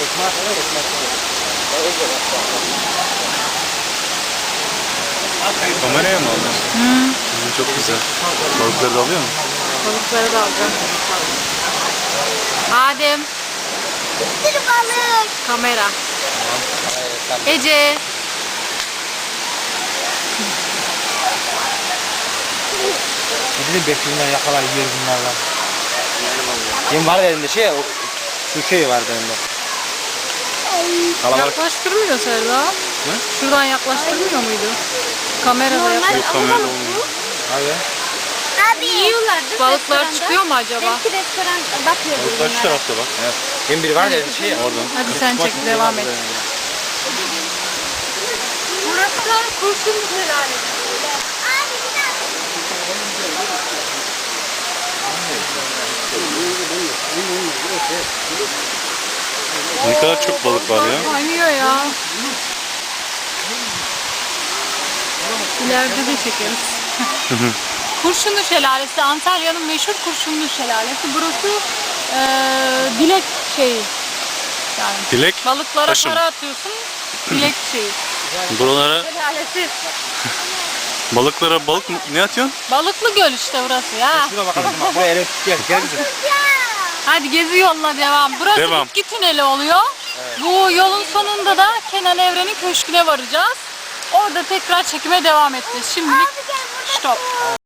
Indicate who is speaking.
Speaker 1: Kameraya mı aldın? Çok güzel. Balıkları da alıyor mu?
Speaker 2: Balıkları da alacağım. Adem.
Speaker 3: Bir balık.
Speaker 2: Kamera. Ece.
Speaker 4: Dedim bekliyorlar yakalar yer bunlarla. Yem var elinde şey, şu şey vardı elinde.
Speaker 1: Kalabalık.
Speaker 2: Yaklaştırmıyor Serda.
Speaker 1: Ne?
Speaker 2: Şuradan yaklaştırmıyor muydu? Kamerada yaklaştırmıyor.
Speaker 1: Yok kamerada olmuyor.
Speaker 4: Abi.
Speaker 3: Abi. Yiyorlar değil mi?
Speaker 2: Balıklar
Speaker 3: restoranda?
Speaker 2: çıkıyor mu acaba?
Speaker 3: Belki restoran bakıyor
Speaker 1: Balıklar şu tarafta bak.
Speaker 4: Evet. Yem biri var elinde şey.
Speaker 1: Oradan.
Speaker 2: Hadi sen çek, devam et.
Speaker 3: Burası kurşun şelalesi. Abi bir dakika.
Speaker 1: Ne kadar çok balık var ya.
Speaker 2: Kaynıyor ya. İleride de çekeriz. Kurşunlu Şelalesi, Antalya'nın meşhur Kurşunlu Şelalesi. Burası dilek şeyi. Yani
Speaker 1: Dilek
Speaker 2: balıklara
Speaker 1: taşı mı?
Speaker 2: para atıyorsun, dilek şeyi.
Speaker 1: Buralara
Speaker 2: Şelalesi.
Speaker 1: balıklara balık mı? Ne atıyorsun?
Speaker 2: Balıklı göl işte burası ya.
Speaker 4: Şurada bakalım bak buraya elif gel bize.
Speaker 2: Hadi gezi yoluna devam. Burası
Speaker 1: Devam.
Speaker 2: bitki tüneli oluyor. Bu yolun sonunda da Kenan Evren'in köşküne varacağız. Orada tekrar çekime devam edeceğiz. Şimdilik stop.